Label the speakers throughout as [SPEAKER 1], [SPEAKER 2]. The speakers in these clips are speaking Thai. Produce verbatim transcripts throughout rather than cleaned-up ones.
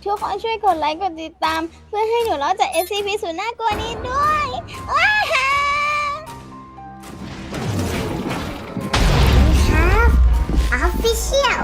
[SPEAKER 1] ทุกคนช่วยกดไลค์กดติดตาม เพื่อให้หนูรอดจาก เอส ซี พี สุดน่ากลัวนี้ด้วยว้าฮ่าครับ Official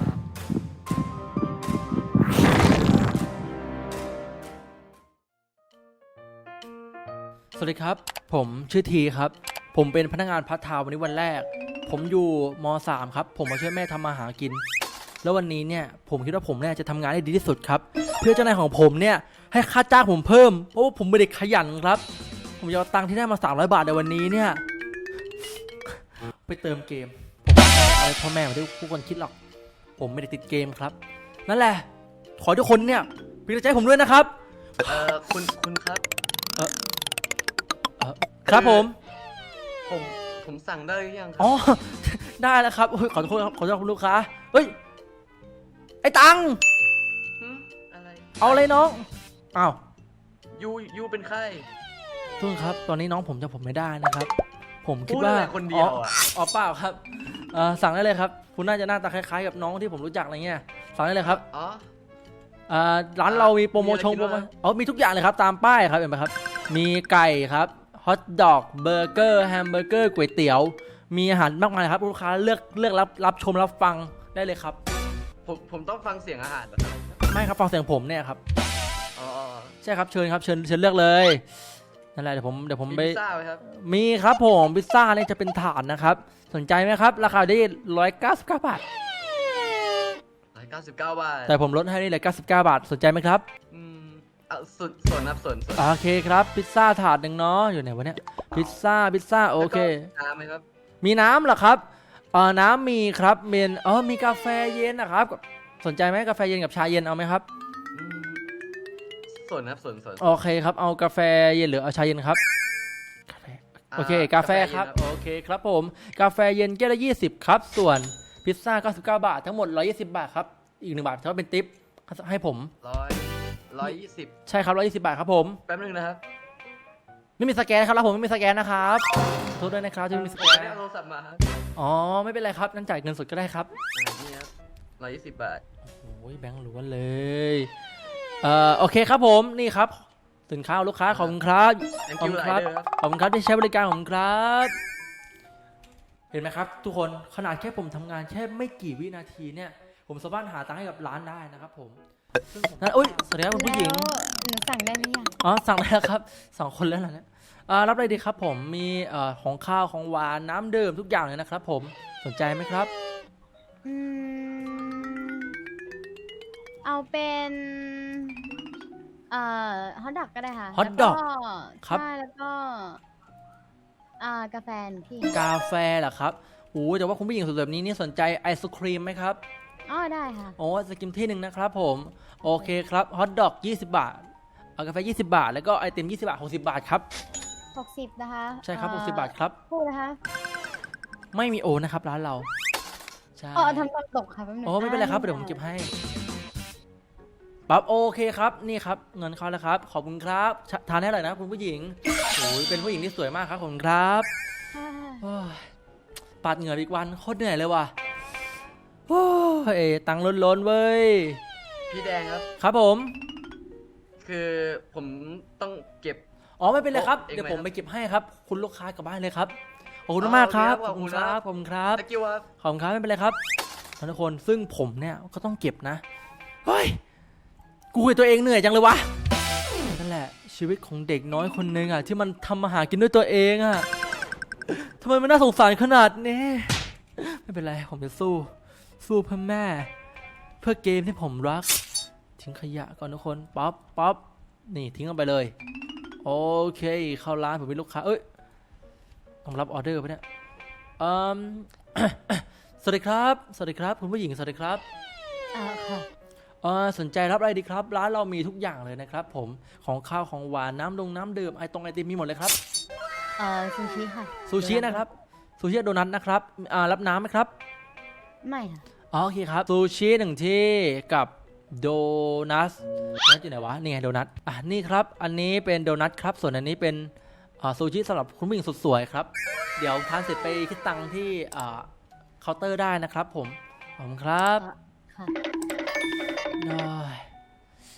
[SPEAKER 2] สวัสดีครับผมชื่อทีครับผมเป็นพนักงานพาร์ทไทม์วันนี้วันแรกผมอยู่ม .สาม ครับผมมาช่วยแม่ทำมาหากินแล้ววันนี้เนี่ยผมคิดว่าผมเนี่ยจะทำงานได้ดีที่สุดครับเพื่อเจ้านายของผมเนี่ยให้ค่าจ้างผมเพิ่มเพราะว่าผมเป็นเด็กขยันครับผมจะเอาตังค์ที่ได้มาสามร้อยบาทในวันนี้เนี่ยไปเติมเกมผมไม่เอาอะไรพ่อแม่มาที่ผู้คนคิดหรอกผมไม่ได้ติดเกมครับนั่นแหละขอทุกคนเนี่ยเป็นกำลังใจให้ผมด้วยนะครับ
[SPEAKER 3] เออคุณคุณครับ
[SPEAKER 2] เออเออครับผม
[SPEAKER 3] ผมผมสั่งได้หรือยังครั
[SPEAKER 2] อ๋อ ได้แล้วครับขอโทษครับขอโทษคุณลูกค้าเฮ้ยไอ้ตัง
[SPEAKER 3] หืมอะไร
[SPEAKER 2] เอาเลยน้องอ้าว
[SPEAKER 3] ยูยูเป็นใคร
[SPEAKER 2] ทุกคนครับตอนนี้น้องผมจำผมไม่ได้นะครับ ผมคิด
[SPEAKER 3] พูด
[SPEAKER 2] ว่า
[SPEAKER 3] อะไรคนเดียวอ่ะ
[SPEAKER 2] อ๋อเปล่าครับเอ่อสั่งได้เลยครับคุณน่าจะหน้าตาคล้ายๆกับน้องที่ผมรู้จักอะไรเงี้ยสั่งได้เลยครับ
[SPEAKER 3] อ๋อ
[SPEAKER 2] เอ่อร้านเรามีโปรโมชั่น
[SPEAKER 3] มีอะไรกินบ้าง
[SPEAKER 2] อ๋อมีทุกอย่างเลยครับตามป้ายครับเห็นไหมครับมีไก่ครับฮอทดอกเบอร์เกอร์แฮมเบอร์เกอร์ก๋วยเตี๋ยวมีอาหารมากมายครับลูกค้าเลือกเลือกรับรับชมรับฟังได้เลยครับ
[SPEAKER 3] ผมผมต้องฟังเสียงอาหารเหรอครับ
[SPEAKER 2] ไม่ครับฟังเสียงผมเนี่ยครับ
[SPEAKER 3] อ๋อ
[SPEAKER 2] ใช่ครับเชิญครับเชิญเชิญเลือกเลยนั่นแหละเดี๋ยวผมเดี๋ยวผม
[SPEAKER 3] มี
[SPEAKER 2] ไป
[SPEAKER 3] พิซซ่าไหมครับ
[SPEAKER 2] มีครับผมพิซซ่าเนี่ยจะเป็นถาดนะครับสนใจไหมครับราคาได้ร้อยเก้าสิบเก้าบาท
[SPEAKER 3] ร้อยเก้าสิบเก้าบาท
[SPEAKER 2] แต่ผมลดให้นี่เลยเก้าสิบเก้าบาทสนใจไหมครับ
[SPEAKER 3] อืมเอาส่วนส่วนครับส่วนส่วน
[SPEAKER 2] โอเคครับพิซซ่าถาดหนึ่งเนาะอยู่ไหนวะเนี่ยพิซซ่าพิซซ่าโอเค
[SPEAKER 3] แล้วก็น้ำไหมครับ
[SPEAKER 2] มีน้ำเหรอครับเออน้ำมีครับเมนเออมีกาแฟเย็นนะครับสนใจไหมกาแฟเย็นกับชาเย็นเอาไหมครับ
[SPEAKER 3] อืมส่วนครับส่วนส่วน
[SPEAKER 2] โอเคครับเอากาแฟเย็นหรือเอาชาเย็นครับกาแฟโอเคกาแฟครับโอเคครับผมกาแฟเย็นแก้วละยี่สิบครับส่วนพิซซ่าเก้าสิบเก้าบาททั้งหมดหนึ่งร้อยยี่สิบบาทครับอีกหนึ่งบาทเขาเป็นทิปให้ผม
[SPEAKER 3] ร้อยร้อยยี่สิบ
[SPEAKER 2] ใช่ครับหนึ่งร้อยยี่สิบบาทครับผม
[SPEAKER 3] แป๊บนึงนะครับ
[SPEAKER 2] ไม่มีสแกนครับแล้วผมไม่มีสแกนนะครับโทษด้วยนะครับที่ไม่มีส
[SPEAKER 3] ผ
[SPEAKER 2] แก
[SPEAKER 3] ม
[SPEAKER 2] น
[SPEAKER 3] ไม่ได้เอาโทรศัพท์มาครับ
[SPEAKER 2] อ๋อไม่เป็นไรครับนั่นจ่ายเงินสดก็ได้ครับ
[SPEAKER 3] อ่านี่ครับร้อยยี่สิบบาท
[SPEAKER 2] โอ้ยแบงค์ล้วนเลยเอ่อโอเคครับผมนี่ครับสินค้าของลูกค้าขอบคุณครับ
[SPEAKER 3] thank
[SPEAKER 2] ขอบ
[SPEAKER 3] you
[SPEAKER 2] คุณ
[SPEAKER 3] ห
[SPEAKER 2] ค
[SPEAKER 3] ลา
[SPEAKER 2] รั
[SPEAKER 3] ย
[SPEAKER 2] บ
[SPEAKER 3] เด้อครับ
[SPEAKER 2] ขอบคุณครับที่ใช้บริการของผมครับเห็นไหมครับทุกคนขนาดแค่ผมทำงานแค่ไม่กี่วินาทีเนี่ยผมสามารถหาตังค์ให้กับร้านได้นะครับผมซึ่งผมนั่นอุ้ยสวัสดีครับคุณผู้หญิง
[SPEAKER 1] แล้วหนูสั่งได้หรือยัง
[SPEAKER 2] อ๋อสั่งได้แล้วครับสองคนแล้วเหรอเนี่ยอ่ารับอะไรดีครับผมมีเอ่อของข้าวของหวานน้ำดื่มทุกอย่างเลยนะครับผมสนใจไหมครับ
[SPEAKER 1] อืมเอาเป็นเอ่อฮอทดอกก็ได้ค่ะ
[SPEAKER 2] hot
[SPEAKER 1] แล้ว
[SPEAKER 2] dog ครับ
[SPEAKER 1] ใช่แล้วก็อ่ากาแฟหนึ่งที่
[SPEAKER 2] กาแฟเหรอครับโอ้แต่ว่าคุณผู้หญิงสวยแบบนี้นี่สนใจไอศครีมไหมครับ
[SPEAKER 1] อ๋อได้ค่ะ
[SPEAKER 2] โอ้ไอศครีมที่หนึ่งนะครับผมโอเคครับฮอทดอกยี่สิบบาทเอากาแฟยี่สิบบาทแล้วก็ไอติมยี่สิบบาทหกสิบบาทครับ
[SPEAKER 1] หกสิบนะคะ
[SPEAKER 2] ใช่ครับ
[SPEAKER 1] เอ่
[SPEAKER 2] ห
[SPEAKER 1] อก
[SPEAKER 2] สิบบาทครับ
[SPEAKER 1] พูดนะคะ
[SPEAKER 2] ไม่มีโอนะครับร้านเราใช่
[SPEAKER 1] อ๋อทำตอนตกค่ะแป๊บนึง
[SPEAKER 2] โอ้ไม่เป็นไรครับเดี๋ยวผมเก็บให้ปั๊บโอเคครับนี่ครับเงินเขาแล้วครับขอบคุณครับชทานให้อร่อยนะคุณผู้หญิงโอ้ยเป็นผู้หญิงที่สวยมากครับขอบคุณครับ
[SPEAKER 1] ค่ะ
[SPEAKER 2] โอ้ยปาดเหงื่ออีกวันโคตรเหนื่อยเลยว่ะโอ้ยตังค์ล้นๆเว้ย
[SPEAKER 3] พี่แดงครับ
[SPEAKER 2] ครับผม
[SPEAKER 3] คือผมต้องเก็บ
[SPEAKER 2] อ๋อไม่เป็นไรครับ
[SPEAKER 3] โอ้เอง
[SPEAKER 2] เดี๋ยว
[SPEAKER 3] ไหม
[SPEAKER 2] ผม
[SPEAKER 3] ครับ
[SPEAKER 2] ไปเก็บให้ครับคุณลูกค้ากลับบ้านเลยครับขอบคุณ
[SPEAKER 3] อ๋อ
[SPEAKER 2] มากครับ
[SPEAKER 3] โอเคครับ
[SPEAKER 2] ขอบคุณครับ
[SPEAKER 3] ข
[SPEAKER 2] ข
[SPEAKER 3] อ
[SPEAKER 2] อ
[SPEAKER 3] บบ คุ
[SPEAKER 2] คุณ ณ
[SPEAKER 3] ค
[SPEAKER 2] ค
[SPEAKER 3] รั
[SPEAKER 2] รับ
[SPEAKER 3] ตะกี้ว่า
[SPEAKER 2] ขอบคุณครับไม่เป็นไรครับทุกคนซึ่งผมเนี่ยก็ต้องเก็บนะเฮ้ยกูเห็นตัวเองเหนื่อยจังเลยวะนั่นแหละชีวิตของเด็กน้อยคนนึงอ่ะที่มันทำมาหากินด้วยตัวเองอ่ะทำไมมันน่าสงสารขนาดนี้ไม่เป็นไรผมจะสู้สู้เพื่อแม่ เพื่อเกมที่ผมรักทิ้งขยะก่อนทุกคนป๊อปป๊อปนี่ทิ้งลงไปเลยโอเคเข้าร้านผมมีลูกค้าเอ้ยต้องรับออเดอร์ปะเนี่ยอืม สวัสดีครับสวัสดีครับคุณผู้หญิงสวัสดีครับ
[SPEAKER 1] อ่าค่ะ
[SPEAKER 2] เออสนใจรับอะไรดีครับร้านเรามีทุกอย่างเลยนะครับผมของข้าวของหวานน้ำดงน้ำดื่มไอตรงไอติมมีหมดเลยครับ
[SPEAKER 1] เอ่อซูชิค่ะ
[SPEAKER 2] ซูชินะครับซูชิโดนัทนะครับอ่ารับน้ำไหมครับ
[SPEAKER 1] ไม่ค่ะ
[SPEAKER 2] อ๋อโอเคครับซูชิหนึ่งที่กับโดนัทโดนัทอยู่ไหนวะนี่ไงโดนัทอ่ะนี่ครับอันนี้เป็นโดนัทครับส่วนอันนี้เป็นอ่าซูชิสำหรับคุณผู้หญิงสุดสวยครับเดี๋ยวทานเสร็จไปคิดตังค์ที่อ่าเคาน์เตอร์ได้นะครับผมขอบคุณครับ
[SPEAKER 1] ค่ะ
[SPEAKER 2] ได้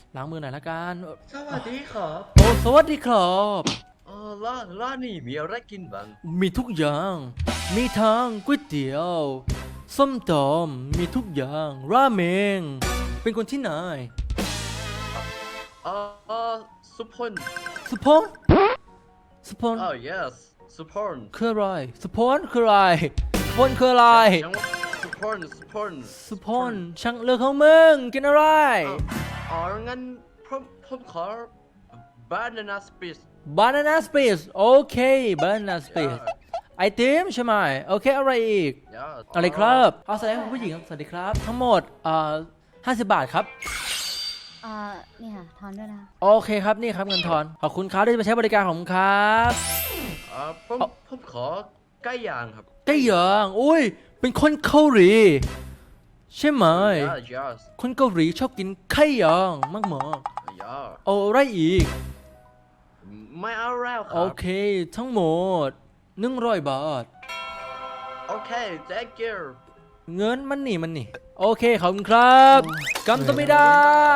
[SPEAKER 2] ล้างมือหน่อยละกัน
[SPEAKER 3] สวัสดีครับ
[SPEAKER 2] โอ้สวัสดีครับ
[SPEAKER 3] เออร้านร้านนี้มีอะไรกินบ้าง
[SPEAKER 2] มีทุกอย่าง มีทั้งก๋วยเตี๋ยว ส้มตำมีทุกอย่าง ราเมง เป็นคนที่ไหน
[SPEAKER 3] เออเออสุพล
[SPEAKER 2] สุพรสุพร
[SPEAKER 3] อ๋อ yes สุพล
[SPEAKER 2] คืออะไรสุพรคืออะไรสุพรคืออะไร
[SPEAKER 3] ยังว่าสุพลสุพล
[SPEAKER 2] สุพรช่างเลือกของมึง กินอะไร
[SPEAKER 3] อ๋องั้นผมผมขอ banana split
[SPEAKER 2] banana split โอเค banana split ไอติมใช่ไหมโอเค อะไรอีก
[SPEAKER 3] yes
[SPEAKER 2] อะไรครับเอาแสดงว่าผู้หญิงครับสวัสดีครับ ทั้งหมดเอ่อห้าสิบบาทครับ
[SPEAKER 1] เอ่อนี่ค่ะทอนด้วยนะ
[SPEAKER 2] โอเคครับนี่ครับเงินทอน ขอบคุณครับที่มาใช้บริการของผมครับ
[SPEAKER 3] เอ่อผมผมขอไก่ย่างครับ
[SPEAKER 2] ไก่ย่างอุ้ย เป็นคนเกาหลีใช่ไหม
[SPEAKER 3] yes yes
[SPEAKER 2] คนเกาหลีชอบกินไก่ย่างมากมาก
[SPEAKER 3] yes
[SPEAKER 2] ๆเอาอะไรอีก
[SPEAKER 3] ไม่เอาแล้วค
[SPEAKER 2] โอ
[SPEAKER 3] รับ
[SPEAKER 2] เค ทั้งหมดหนึ่งร้อยบาท
[SPEAKER 3] โอเค thank you
[SPEAKER 2] เงินมันนี่มันนี่โอเคขอบคุณครับกัมตมิดา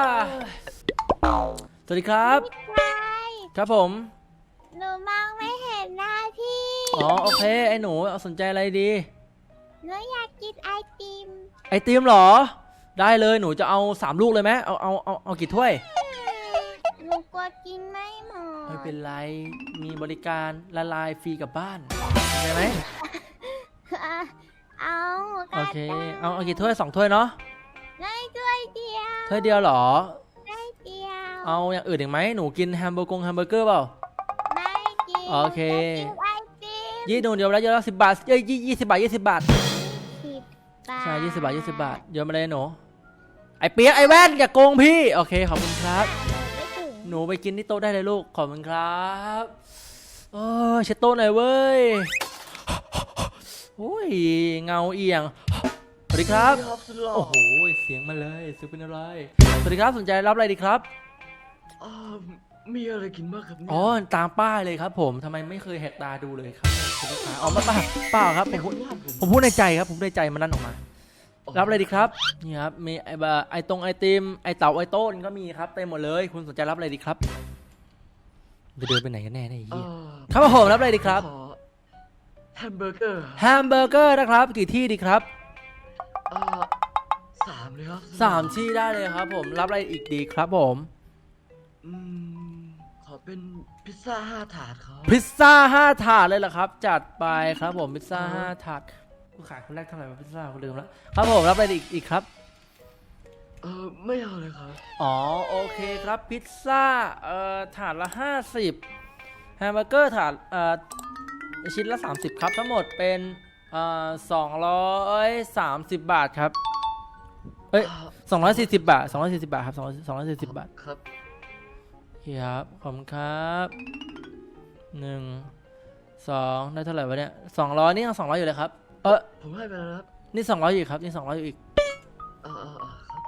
[SPEAKER 2] สวัสดีครับ
[SPEAKER 1] ใช่
[SPEAKER 2] ครับผม
[SPEAKER 1] หนูมองไม่เห็นหน้าพี่
[SPEAKER 2] อ๋อโอเคไอ้หนูเอาสนใจอะไรดี
[SPEAKER 1] หนูอยากกินไอติม
[SPEAKER 2] ไอติมเหรอ ได้เลยหนูจะเอาสามลูกเลยไหมเอาเอาเอาเอากี่ถ้วย
[SPEAKER 1] หนูกลัวกินไม่หมด
[SPEAKER 2] ไม่เป็นไรมีบริการละลายฟรีกลับบ้านใช่ไหม
[SPEAKER 1] อ่ะเอา
[SPEAKER 2] โอเคเอาเอากี่ถ้วยสองถ้วยเนาะ
[SPEAKER 1] ได้ด้วยเดียว
[SPEAKER 2] ถ้วยเดียวเหรอ
[SPEAKER 1] ได้เดียว
[SPEAKER 2] เอาอย่างอื่นอีกไหมหนูกินแฮมเบอร์กงแฮมเบอร์เกอร์เปล่า
[SPEAKER 1] ไม่กิน
[SPEAKER 2] โอเค
[SPEAKER 1] หนูจะกินไอติม
[SPEAKER 2] ยี่หนูเดียวแล้วเดียวละสิบบาทเอ้ยยี่ยี่สิบบาทยี่สิบบาท
[SPEAKER 1] สิบบาท
[SPEAKER 2] ใช่ยี่สิบบาทยี่สิบบาทเดี๋ยวมาเลยหนูไอเปี๊ยกไอแว่นอย่าโกงพี่โอเคขอบคุณครับ
[SPEAKER 1] ไม่ถึง
[SPEAKER 2] หนูไปกินที่โต๊ะได้เลยลูกขอบคุณครับโอ้ยเช็ดโต๊ะหน่อยเว้ยโอ้ยเงาเอียงสวัสดีครับ
[SPEAKER 3] ครับสุดหล่อ
[SPEAKER 2] โอ้โหเสียงมาเลยซื้อเป็นอะไรสวัสดีครับสนใจรับอะไรดีครับ
[SPEAKER 3] อ่ามีอะไรกินบ้างครับเนี่ย
[SPEAKER 2] อ๋อตามป้ายเลยครับผมทำไมไม่เคยแหกตาดูเลยครับคุณลูกค้าอ๋อไม่เปล่าเปล่าครับผมพูดผมพูดในใจครับผมพูดในใจมันนั่นออกมา รับอะไรดีครับนี่ครับมีไอแบบไอตรงไอติมไอเต่าไอโต้นก็มีครับเต็มหมดเลยคุณสนใจรับอะไรดีครับจะเดินไปไหนกันแน่เนี่ยไอ้
[SPEAKER 3] เอ่
[SPEAKER 2] เหี้ย
[SPEAKER 3] อ
[SPEAKER 2] ครับผมรับอะไรดีครับ
[SPEAKER 3] ขอแฮมเบอร์เกอร์
[SPEAKER 2] แฮมเบอร์เกอร์นะครับกี่ที่ดีครับ
[SPEAKER 3] เอ่อสามเลยครับ
[SPEAKER 2] สามที่ได้เลยครับผมรับอะไรอีกดีครับผม
[SPEAKER 3] อืมขอเป็นพิซซ่าห้าถาดครับ
[SPEAKER 2] พิซซ่าห้าถาดเลยเหรอครับ จัดไปครับผมพิซซ่าห้าถาดผู้ขายคนแรกเท่าไหร่วะพิซซ่าคนลืมแล้วครับผมรับอะไรอีกอีกครับ
[SPEAKER 3] เออไม่เอาเลยครับ
[SPEAKER 2] อ๋อโอเคครับพิซซ่าเอ่อถาดละห้าสิบแฮมเบอร์เกอร์ถาดเอ่อชิ้นละสามสิบครับทั้งหมดเป็นเอ่อสองร้อยสามสิบบาทครับเอ้ยสองร้อยสี่สิบบาทสองร้อยสี่สิบบาทครับสองร้อยสองร้อยสี่สิบบาท
[SPEAKER 3] ครับ
[SPEAKER 2] ครับขอบคุณครับหนึ่งสองได้เท่าไหร่วะเนี่ยสองร้อยนี่ยังสองร้อยอยู่เลยครับเออ
[SPEAKER 3] ผมให้ไปแล้วครับ
[SPEAKER 2] นี่สองร้อยอยู่ครับนี่สองร้อยอยู่อีก
[SPEAKER 3] เออเออเออครับ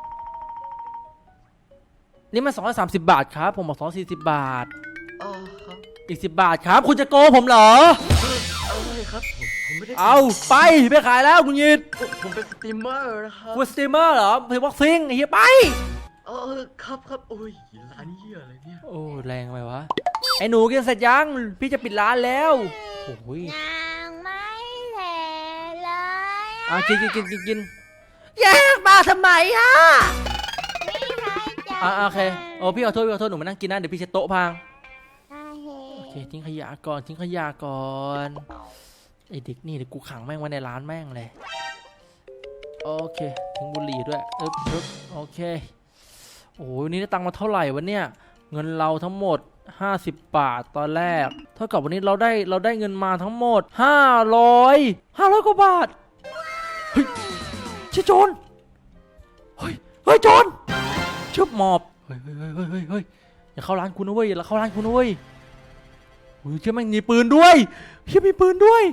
[SPEAKER 2] นี่มันสองร้อยสามสิบบาทครับผมบอกสองร้อยสี่สิบบาท
[SPEAKER 3] เออครับ
[SPEAKER 2] อีกสิบบาทครับคุณจะโกงผมเหรอ
[SPEAKER 3] อะไรครับผมผมไม่ได้
[SPEAKER 2] เอาไปไปขายแล้วคุณยิด
[SPEAKER 3] ผมผมเป็นสตรีมเมอร์นะครับ
[SPEAKER 2] คุณสตรีมเมอร์เหรอเพย์บ็อกซิ่งไอ้เหี้ยไป
[SPEAKER 3] เออครับครับโอ้ยร้านเหี้ยอะไรเนี่ย
[SPEAKER 2] โอ้แรงไปวะไอ้หนูกินเสร็จยังพี่จะปิดร้านแล้วโอ้ย
[SPEAKER 1] ยังไม่เสร็จเลย
[SPEAKER 2] อ่ะกินกินกินกินกินแยกมาทำไมอ่ะ
[SPEAKER 1] ไม่ใช่จะ
[SPEAKER 2] อ่ะโอเคโอ้พี่ขอโทษพี่ขอโทษหนูมานั่งกินนะเดี๋ยวพี่เช็ดโต๊ะพัง
[SPEAKER 1] ได้เห
[SPEAKER 2] โอเคทิ้งขยะก่อนทิ้งขยะก่อนไอ้เด็กนี่เดี๋ยวกูขังแม่งไว้ในร้านแม่งเลยโอเคทิ้งบุหรี่ด้วยอึ๊บอึ๊บโอเคโอ้ยนี่ได้ตังค์มาเท่าไหร่วะเนี่ยเงินเราทั้งหมดห้าสิบบาทตอนแรกเท่ากับวันนี้เราได้เราได้เงินมาทั้งหมดห้าร้อยห้าร้อยกว่าบาทเฮ้ยใช่โจรเฮ้ยเฮ้ยโจรชึบหมอบเฮ้ยเฮ้ยเฮ้ยเฮ้ยเฮ้ยอย่าเข้าร้านกูนะเว้ยอย่าเข้าร้านกูนะเว้ยโอ้ยเชื่อแม่งมีปืนด้วยเชื่อมีปืนด้วย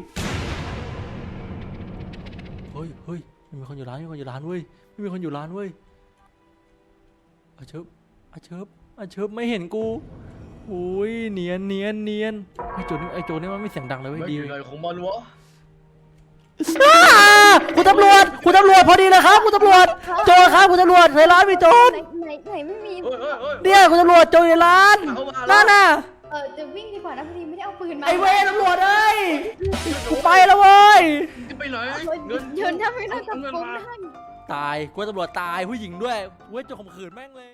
[SPEAKER 2] เฮ้ยเฮ้ยไม่มีคนอยู่ร้านไม่มีคนอยู่ร้านเว้ยไม่มีคนอยู่ร้านเว้ยอาเชิบอาเชิบอาเชิบไม่เห็นกูโอ้ยเนียนเนียนเนียนไอ้โจรนี่ไอ้โจรนี่มันไม่เสียงดังเลยเว้ย
[SPEAKER 3] ไม่
[SPEAKER 2] ดี
[SPEAKER 3] อยู่ไหนของมันวะ
[SPEAKER 2] อ่าคุณตำรวจคุณตำรวจพอดีเลยครับคุณตำรวจโจรครับานคุณตำรวจในร้านมีโจร
[SPEAKER 1] ไหนไหนไหนไม่มี
[SPEAKER 3] โอ้ยโอ้ยโอ้ย
[SPEAKER 2] เนี่ยคุณตำรวจโจรในร้าน
[SPEAKER 3] เอามาแล้ว
[SPEAKER 2] นั่นน่ะ
[SPEAKER 1] เออจะวิ่งดีกว่านะพอดีไม่ได้เอาปืนมา
[SPEAKER 2] ไอ้เวรตำรวจเอ้ยกูไปแล้วเว้ย
[SPEAKER 3] ไปไหน
[SPEAKER 1] เฮ้ย
[SPEAKER 3] เงิน
[SPEAKER 1] ยืนถ้าไม่ได้จับ
[SPEAKER 3] เงิน
[SPEAKER 1] กุม
[SPEAKER 3] มา
[SPEAKER 1] ได้
[SPEAKER 2] ตายกูว่าตำรวจตายผู้หญิงด้วยเว้ยจะข่มขืนแม่งเลย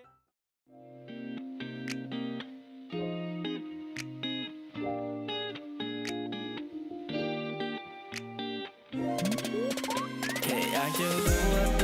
[SPEAKER 2] แค่อยากจะรู้ว่า